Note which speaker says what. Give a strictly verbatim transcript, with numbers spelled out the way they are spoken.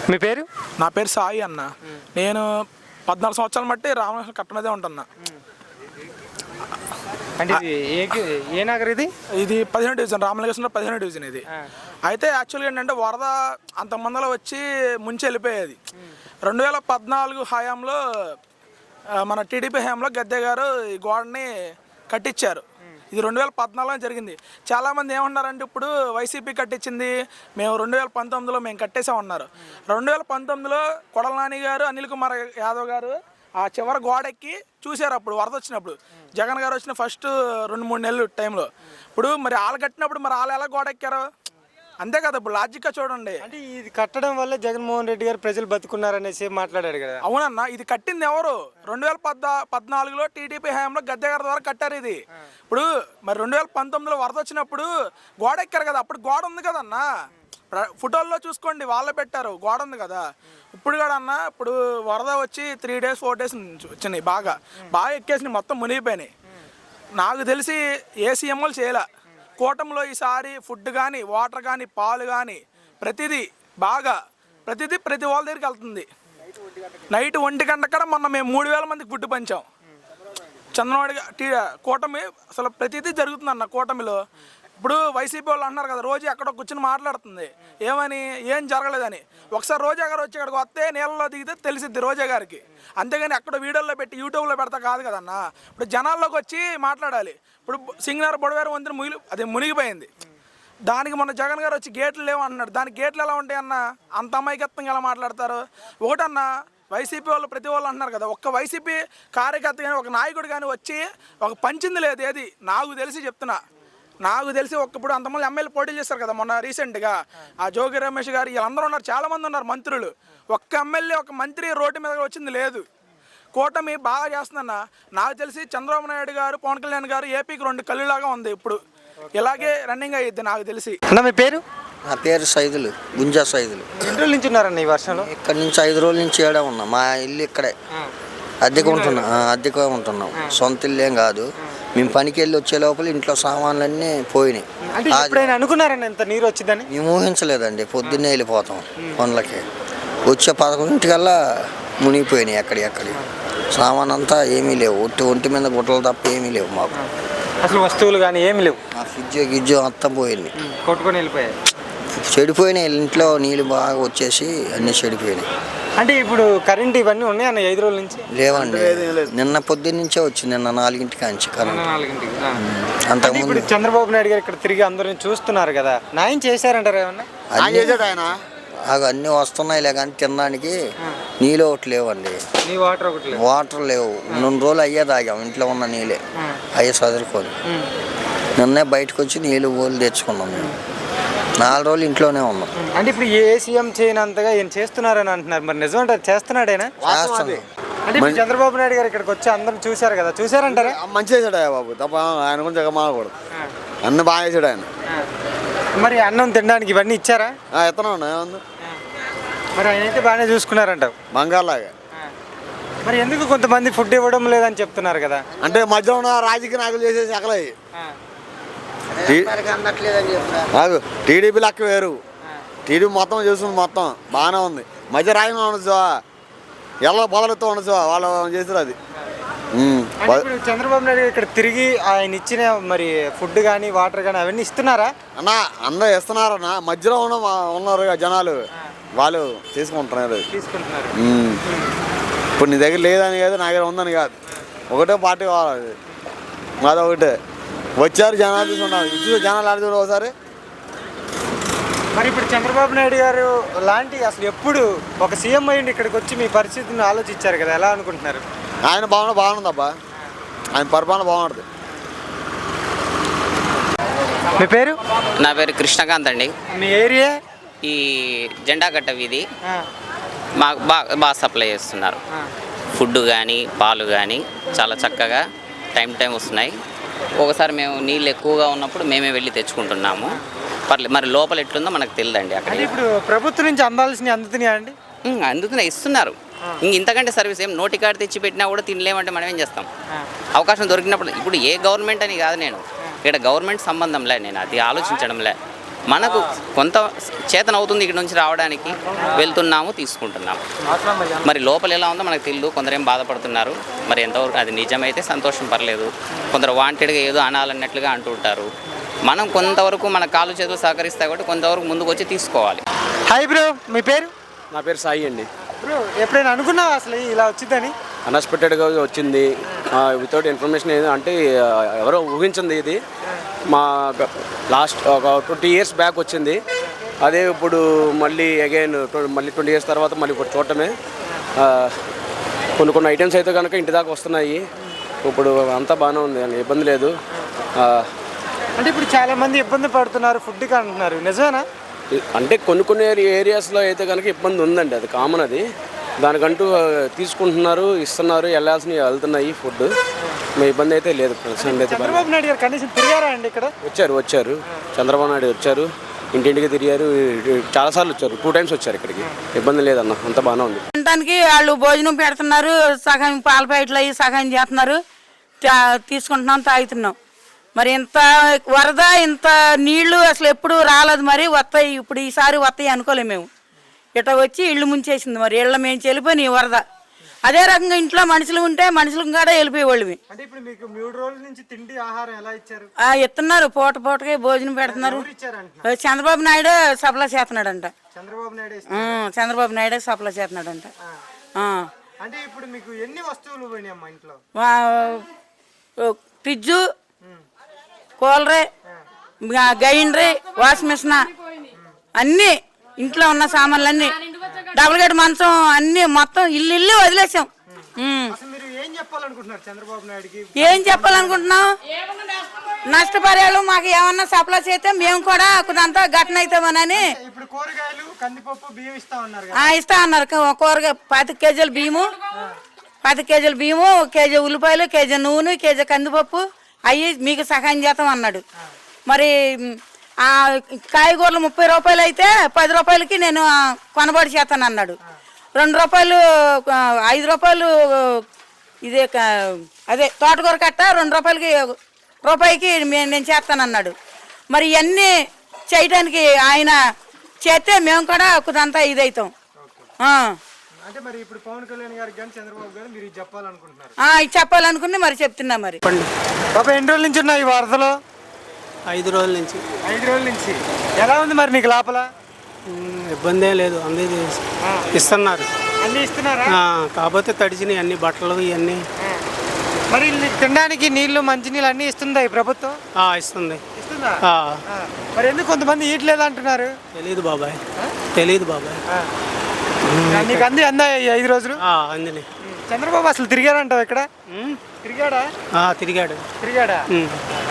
Speaker 1: మీ పేరు?
Speaker 2: నా పేరు సాయి అన్న. నేను పద్నాలుగు సంవత్సరాల మట్టి రామకృష్ణ కట్ట మీదే ఉంటున్నా.
Speaker 1: అంటే ఏ నగర్ ఇది?
Speaker 2: ఇది పదిహేను డివిజన్, రామలింగేశ్వరం పదిహేను డివిజన్ ఇది. అయితే యాక్చువల్గా ఏంటంటే వరద అంత మందలో వచ్చి ముంచి వెళ్ళిపోయేది. రెండు వేల పద్నాలుగు హయాంలో మన టీడీపీ హయాంలో గద్దె గారు ఈ గోడని కట్టించారు. ఇది రెండు వేల పద్నాలుగులో జరిగింది. చాలామంది ఏమన్నారంటే ఇప్పుడు వైసీపీ కట్టించింది, మేము రెండు వేల పంతొమ్మిదిలో మేము కట్టేసామన్నారు. రెండు వేల పంతొమ్మిదిలో కొడల నాని గారు, అనిల్ కుమార్ యాదవ్ గారు ఆ చివరి గోడెక్కి చూశారు. అప్పుడు వరద వచ్చినప్పుడు జగన్ గారు వచ్చిన ఫస్ట్ రెండు మూడు నెలలు టైంలో ఇప్పుడు మరి వాళ్ళు కట్టినప్పుడు మరి వాళ్ళు ఎలా గోడెక్కారు? అంతే కదా, ఇప్పుడు లాజిక్గా చూడండి.
Speaker 1: అంటే ఇది కట్టడం వల్ల జగన్మోహన్ రెడ్డి గారు ప్రజలు బతుకున్నారనేసి మాట్లాడారు కదా.
Speaker 2: అవునన్నా, ఇది కట్టింది ఎవరు? రెండు వేల పద్నా పద్నాలుగులో టీడీపీ హయాంలో గద్దె గారి ద్వారా కట్టారు ఇది. ఇప్పుడు మరి రెండు వేల పంతొమ్మిదిలో వరద వచ్చినప్పుడు గోడ ఎక్కారు కదా, అప్పుడు గోడ ఉంది కదన్నా. ఫోటోల్లో చూసుకోండి, వాళ్ళే పెట్టారు, గోడ ఉంది కదా. ఇప్పుడు కూడా అన్న, ఇప్పుడు వరద వచ్చి త్రీ డేస్ ఫోర్ డేస్ వచ్చినాయి, బాగా బాగా ఎక్కేసినాయి, మొత్తం మునిగిపోయినాయి. నాకు తెలిసి ఏ సీఎంలు చేయలే. కూటమిలో ఈసారి ఫుడ్ కానీ, వాటర్ కానీ, పాలు కానీ ప్రతిదీ బాగా ప్రతిదీ ప్రతి వాళ్ళ దగ్గరికి వెళ్తుంది. నైట్ ఒంటి గంట కూడా మొన్న మేము మూడు వేల మందికి ఫుడ్ పంచాం. చంద్రబాబు టీ కూటమి అసలు ప్రతిదీ జరుగుతుంది అన్న కూటమిలో. ఇప్పుడు వైసీపీ వాళ్ళు అంటున్నారు కదా, రోజు ఎక్కడో కూర్చొని మాట్లాడుతుంది ఏమని, ఏం జరగలేదని. ఒకసారి రోజా గారు వచ్చి ఇక్కడికి వస్తే నీళ్ళలో దిగితే తెలిసిద్ది రోజా గారికి. అంతేగాని అక్కడ వీడియోలో పెట్టి యూట్యూబ్లో పెడతా కాదు కదన్న. ఇప్పుడు జనాల్లోకి వచ్చి మాట్లాడాలి. ఇప్పుడు సింగనగర్ బొడవేరు వంతెన ముగిలి అది మునిగిపోయింది. దానికి మొన్న జగన్ గారు వచ్చి గేట్లు లేవు అంటున్నాడు. దానికి గేట్లు ఎలా ఉంటాయి అన్న? అంత అమాయకత్వంగా ఎలా మాట్లాడతారు? ఒకటన్నా, వైసీపీ వాళ్ళు ప్రతి వాళ్ళు అంటున్నారు కదా, ఒక్క వైసీపీ కార్యకర్త కానీ ఒక నాయకుడు కానీ వచ్చి ఒక పంచింది లేదు. ఏది నాకు తెలిసి చెప్తున్నా, నాకు తెలిసి ఒక్కప్పుడు అంతమంది ఎమ్మెల్యే పోటీ చేస్తారు కదా మొన్న రీసెంట్గా, ఆ జోగి రమేష్ గారు వీళ్ళందరూ ఉన్నారు, చాలామంది ఉన్నారు మంత్రులు. ఒక్క ఎమ్మెల్యే ఒక మంత్రి రోడ్డు మీద వచ్చింది లేదు. కూటమి బాగా చేస్తుందన్న. నాకు తెలిసి చంద్రబాబు నాయుడు గారు, పవన్ కళ్యాణ్ గారు ఏపీకి రెండు కళ్ళులాగా ఉంది. ఇప్పుడు ఇలాగే రన్నింగ్ అయ్యిద్ది నాకు తెలిసి.
Speaker 1: అన్న మీ పేరు?
Speaker 3: నా పేరు సైదులు, గుంజా సైదులు.
Speaker 1: ఎన్ని రోజుల నుంచి ఉన్నారన్న ఈ వర్షంలో?
Speaker 3: ఇక్కడ నుంచి ఐదు రోజుల నుంచి ఏడా ఉన్నా. మా ఇల్లు ఇక్కడే అద్దెకు ఉంటున్నాం, అద్దెకు ఉంటున్నాం, సొంత ఇల్లు ఏం కాదు. మేము పనికి వెళ్ళి వచ్చే లోపల ఇంట్లో సామాన్లన్నీ పోయినాయి.
Speaker 1: అనుకున్నారన్న ఎంత నీరు వచ్చిందని?
Speaker 3: మేము ఊహించలేదండి. పొద్దున్నే వెళ్ళిపోతాం పనులకి, వచ్చే పదకొండింటికల్లా మునిగిపోయినాయి. ఎక్కడి ఎక్కడి సామాన్ అంతా ఏమీ లేవు, ఒట్టి ఒంటి మీద గుట్టలు తప్ప ఏమీ లేవు మాకు.
Speaker 1: అసలు వస్తువులు కానీ ఏమి లేవు.
Speaker 3: ఆ ఫ్రిడ్జ్ గిజ్జు అంతా పోయింది,
Speaker 1: కొట్టుకొని వెళ్ళిపోయాయి,
Speaker 3: చెడిపోయినాయి. ఇంట్లో నీళ్ళు బాగా వచ్చేసి అన్నీ చెడిపోయినాయి.
Speaker 1: అంటే ఇప్పుడు కరెంట్ ఇవన్నీ ఉన్నాయి అన్న ఐదు రోజుల నుంచి?
Speaker 3: లేవండి, నిన్న పొద్దున్న నుంచే వచ్చింది, నిన్న నాలుగింటికి అంచి కరెంట్.
Speaker 1: అంతకుముందు చంద్రబాబు నాయుడు గారు ఇక్కడ తిరిగి అందరిని చూస్తున్నారు కదా, న్యాయం చేశారంటారు ఏమన్నా?
Speaker 3: ఆయన అన్నీ వస్తున్నాయిలే కానీ తినడానికి నీళ్ళు ఒకటి లేవండి.
Speaker 1: వాటర్ ఒకటి
Speaker 3: వాటర్ లేవు. రెండు రోజులు అయ్యే తాగాం, ఇంట్లో ఉన్న నీళ్ళే అయ్యే చదువుకొని. నిన్నే బయటకు వచ్చి నీళ్ళు ఓళ్ళు తెచ్చుకున్నాం. మేము నాలుగు రోజులు ఇంట్లోనే ఉన్నాం.
Speaker 1: అంటే ఇప్పుడు ఏ సీఎం చేయనంతగా ఏం చేస్తున్నారని అంటున్నారు, మరి నిజమంటే చేస్తున్నాడేనా? అంటే చంద్రబాబు నాయుడు గారు ఇక్కడికి వచ్చి అందరం చూశారు కదా, చూసారంటారా?
Speaker 4: మంచి చేశాడు బాబు, తప్ప ఆయన గురించి జగమాకూడదు. అన్న బాగా చేశాడు ఆయన.
Speaker 1: మరి అన్నం తినడానికి ఇవన్నీ ఇచ్చారా?
Speaker 4: ఎత్తనా ఏముంది,
Speaker 1: మరి ఆయన అయితే బాగానే చూసుకున్నారంటావు
Speaker 4: బంగారులాగా.
Speaker 1: మరి ఎందుకు కొంతమంది ఫుడ్ ఇవ్వడం లేదని చెప్తున్నారు కదా?
Speaker 4: అంటే మధ్యలో ఉన్న రాజకీయ నాయకులు చేసేసి అక్కలయ్యి కాదు. టీడీపీ లెక్క వేరు, టీడీపీ మొత్తం చేస్తుంది, మొత్తం బాగానే ఉంది. మధ్య రాజకీయం ఉండొచ్చు, ఎలా బదులతో ఉండొచ్చు, వాళ్ళు చేసారు అది.
Speaker 1: చంద్రబాబు నాయుడు ఇక్కడ తిరిగి ఆయన ఇచ్చిన మరి ఫుడ్ కానీ వాటర్ కానీ అవన్నీ ఇస్తున్నారా
Speaker 4: అన్న? అందరూ ఇస్తున్నారన్న, మధ్యలో ఉన్న ఉన్నారు జనాలు, వాళ్ళు తీసుకుంటున్నారు
Speaker 1: తీసుకుంటున్నారు
Speaker 4: ఇప్పుడు నీ దగ్గర లేదని కాదు, నా దగ్గర ఉందని కాదు, ఒకటే పార్టీ కావాలి, అదొకటే. వచ్చారు జనాలు తీసుకున్నారు, ఇచ్చి జనాలు ఆడుతున్నారు ఒకసారి.
Speaker 1: మరి ఇప్పుడు చంద్రబాబు నాయుడు గారు లాంటి అసలు ఎప్పుడు ఒక సీఎం అయ్యింది ఇక్కడికి వచ్చి మీ పరిస్థితిని ఆలోచించారు కదా, ఎలా అనుకుంటున్నారు?
Speaker 4: ఆయన బాగున్నా బాగుంది అబ్బా, ఆయన పరిపాలన బాగుంటుంది.
Speaker 1: మీ పేరు?
Speaker 5: నా పేరు కృష్ణకాంత్ అండి.
Speaker 1: మీ ఏరియా?
Speaker 5: ఈ జెండాగట్ట వీధి. మాకు బాగా బాగా సప్లై చేస్తున్నారు. ఫుడ్ కానీ పాలు కానీ చాలా చక్కగా టైం టైం వస్తున్నాయి. ఒకసారి మేము నీళ్ళు ఎక్కువగా ఉన్నప్పుడు మేమే వెళ్ళి తెచ్చుకుంటున్నాము. పర్లేదు, మరి లోపల ఎట్లుందో మనకు తెలియదండి. అక్కడ
Speaker 1: ఇప్పుడు ప్రభుత్వం నుంచి అందాల్సినవి అందుతున్నాయా అండి?
Speaker 5: అందుతున్నాయి, ఇస్తున్నారు. ఇంక ఇంతకంటే సర్వీస్ ఏం, నోటి కాడ తెచ్చి పెట్టినా కూడా తినలేమంటే మనం ఏం చేస్తాం? అవకాశం దొరికినప్పుడు. ఇప్పుడు ఏ గవర్నమెంట్ అని కాదు, నేను ఇక్కడ గవర్నమెంట్ సంబంధంలే, నేను అది ఆలోచించడంలే. మనకు కొంత చేతన అవుతుంది ఇక్కడ నుంచి రావడానికి, వెళ్తున్నాము తీసుకుంటున్నాము. మరి లోపల ఎలా ఉందో మనకు తెలియదు. కొందరు ఏం బాధపడుతున్నారు, మరి ఎంతవరకు అది నిజమైతే సంతోషం పర్లేదు. కొందరు వాంటెడ్గా ఏదో అనాలన్నట్లుగా అంటుంటారు. మనం కొంతవరకు మన కాళ్ళు చేతులు సహకరిస్తాయి కాబట్టి కొంతవరకు ముందుకు వచ్చి తీసుకోవాలి.
Speaker 1: హాయ్ బ్రో, మీ పేరు?
Speaker 6: నా పేరు సాయి అండి.
Speaker 1: బ్రో ఎప్పుడైనా అనుకున్నావా అసలు ఇలా వచ్చిందని?
Speaker 6: అన్ఎక్స్పెక్టెడ్గా వచ్చింది, వితౌట్ ఇన్ఫర్మేషన్ ఏదో అంటే ఆ, ఎవరో ఊహించింది ఇది. మా లాస్ట్ ఒక ట్వంటీ ఇయర్స్ బ్యాక్ వచ్చింది, అదే ఇప్పుడు మళ్ళీ అగైన్ మళ్ళీ ట్వంటీ ఇయర్స్ తర్వాత మళ్ళీ ఇప్పుడు చూడటమే. ఆ, కొన్ని కొన్ని ఐటమ్స్ అయితే కనుక ఇంటి దాకా వస్తున్నాయి. ఇప్పుడు అంతా బాగానే ఉంది, ఇబ్బంది లేదు. ఆ,
Speaker 1: అంటే ఇప్పుడు చాలా మంది ఇబ్బంది పడుతున్నారు ఫుడ్కి అంటున్నారు, నిజమేనా?
Speaker 6: అంటే కొన్ని కొన్ని ఏరియాస్లో అయితే కనుక ఇబ్బంది ఉందండి, అది కామన్. అది దానికంటూ తీసుకుంటున్నారు, ఇస్తున్నారు, వెళ్ళాల్సినవి వెళ్తున్నాయి ఫుడ్. మీ ఇబ్బంది అయితే లేదు. ప్రస్తుతం అయితే
Speaker 1: చంద్రబాబు నాయుడు గారు కనీసం తిరిగారా అండి ఇక్కడ?
Speaker 6: వచ్చారు వచ్చారు చంద్రబాబు నాయుడు వచ్చారు, ఇంటింటికి తిరిగారు, చాలాసార్లు వచ్చారు, టూ టైమ్స్ వచ్చారు ఇక్కడికి. ఇబ్బంది లేదన్న, అంత బాగానే ఉంది.
Speaker 7: తినడానికి వాళ్ళు భోజనం పెడుతున్నారు, సగం పాల ప్యాకెట్లు అయ్యి సగం చేస్తున్నారు, తా- తీసుకుంటున్నాం, తాగుతున్నాం. మరి ఇంత వరద ఇంత నీళ్లు అసలు ఎప్పుడు రాలేదు, మరి వస్తాయి ఇప్పుడు ఈసారి వస్తాయి అనుకోలేము మేము. ఇట్లా వచ్చి ఇళ్ళు ముంచేసింది, మరి ఇళ్ళ మేము వెళ్ళిపోయినాయి వరద. అదే రకంగా ఇంట్లో మనుషులు ఉంటే మనుషులకు కూడా వెళ్ళిపోయేవాళ్ళవి.
Speaker 1: అంటే ఇప్పుడు మీకు మూడు రోజుల నుంచి తిండి ఆహారం ఎలా ఇచ్చారు?
Speaker 7: ఆ ఇస్తున్నారు, పూట పూటకి భోజనం పెడుతున్నారు.
Speaker 1: ఇచ్చారంట
Speaker 7: చంద్రబాబు నాయుడు సప్లై చేస్తున్నాడంట.
Speaker 1: చంద్రబాబు నాయుడు
Speaker 7: ఆ, చంద్రబాబు నాయుడు సప్లై చేస్తున్నాడంట. ఆ.
Speaker 1: అంటే ఇప్పుడు మీకు ఎన్ని వస్తువులు పోయినాయి అమ్మా ఇంట్లో?
Speaker 7: వా- fridge, cooler, grinder, washing machine, అన్నీ ఇంట్లో ఉన్న సామాన్లు అన్నీ, డబుల్ గేట్ మంచం అన్నీ మొత్తం ఇల్లు ఇల్లు వదిలేసాం. ఉమ్.
Speaker 1: అసలు మీరు ఏం చెప్పాలనుకుంటున్నారు చంద్రబాబు నాయుడుకి?
Speaker 7: ఏం చెప్పాలనుకుంటున్నాం? నష్టపరిహారం మాకు ఏమన్నా సప్లై చేస్తే మేము కూడా కొంత ఘటన అవుతామని.
Speaker 1: ఇప్పుడు కూరగాయలు, కందిపప్పు, బియ్యం ఇస్తా ఉన్నారు
Speaker 7: ఆ, ఇస్తా అన్నారు. కూరగాయ పాతిక కేజీల బియ్యము, పాతిక కేజీల బియ్యము, కేజీ ఉల్లిపాయలు, కేజీ నూనె, కేజీ కందిపప్పు అవి మీకు సహాయం చేస్తాం అన్నాడు. మరి ఆ కాయగూరలు ముప్పై రూపాయలు అయితే పది రూపాయలకి నేను కొనబడి చేస్తాను అన్నాడు. రెండు రూపాయలు ఐదు రూపాయలు ఇదే అదే తోటకూర కట్ట రెండు రూపాయలకి రూపాయికి నేను చేస్తానన్నాడు. మరి ఇవన్నీ చేయటానికి ఆయన చేస్తే మేము కూడా కొంత ఇదవుతాం.
Speaker 1: అంటే మరి ఇప్పుడు పవన్ కళ్యాణ్ గారికి కానీ చంద్రబాబు గారు మీరు ఇది చెప్పాలనుకుంటున్నారు?
Speaker 7: ఇది చెప్పాలనుకుని మరి చెప్తున్నా. మరి
Speaker 1: బాబా ఎన్ని రోజుల నుంచి ఉన్నాయి ఈ వరదలో?
Speaker 8: ఐదు రోజుల నుంచి.
Speaker 1: ఐదు రోజుల నుంచి ఎలా ఉంది మరి నీకు లోపల?
Speaker 8: ఇబ్బంది ఏం లేదు, అందరూ ఇస్తున్నారు.
Speaker 1: అన్ని ఇస్తున్నారా?
Speaker 8: కాకపోతే తడిచినాయి అన్ని బట్టలు ఇవన్నీ.
Speaker 1: మరి తినడానికి నీళ్లు, మంచినీళ్ళు అన్ని ఇస్తుందా ఈ ప్రభుత్వం?
Speaker 8: ఇస్తుంది.
Speaker 1: ఇస్తుందా? మరి ఎందుకు కొంతమంది ఇయట్లేదు అంటున్నారు?
Speaker 8: తెలీదు బాబాయ్, తెలీదు బాబాయ్.
Speaker 1: నీకు అంది అందా ఈ ఐదు రోజులు?
Speaker 8: అందిని.
Speaker 1: చంద్రబాబు అసలు తిరిగాడంటావు ఇక్కడ? తిరిగాడా?
Speaker 8: తిరిగాడు
Speaker 1: తిరిగాడా?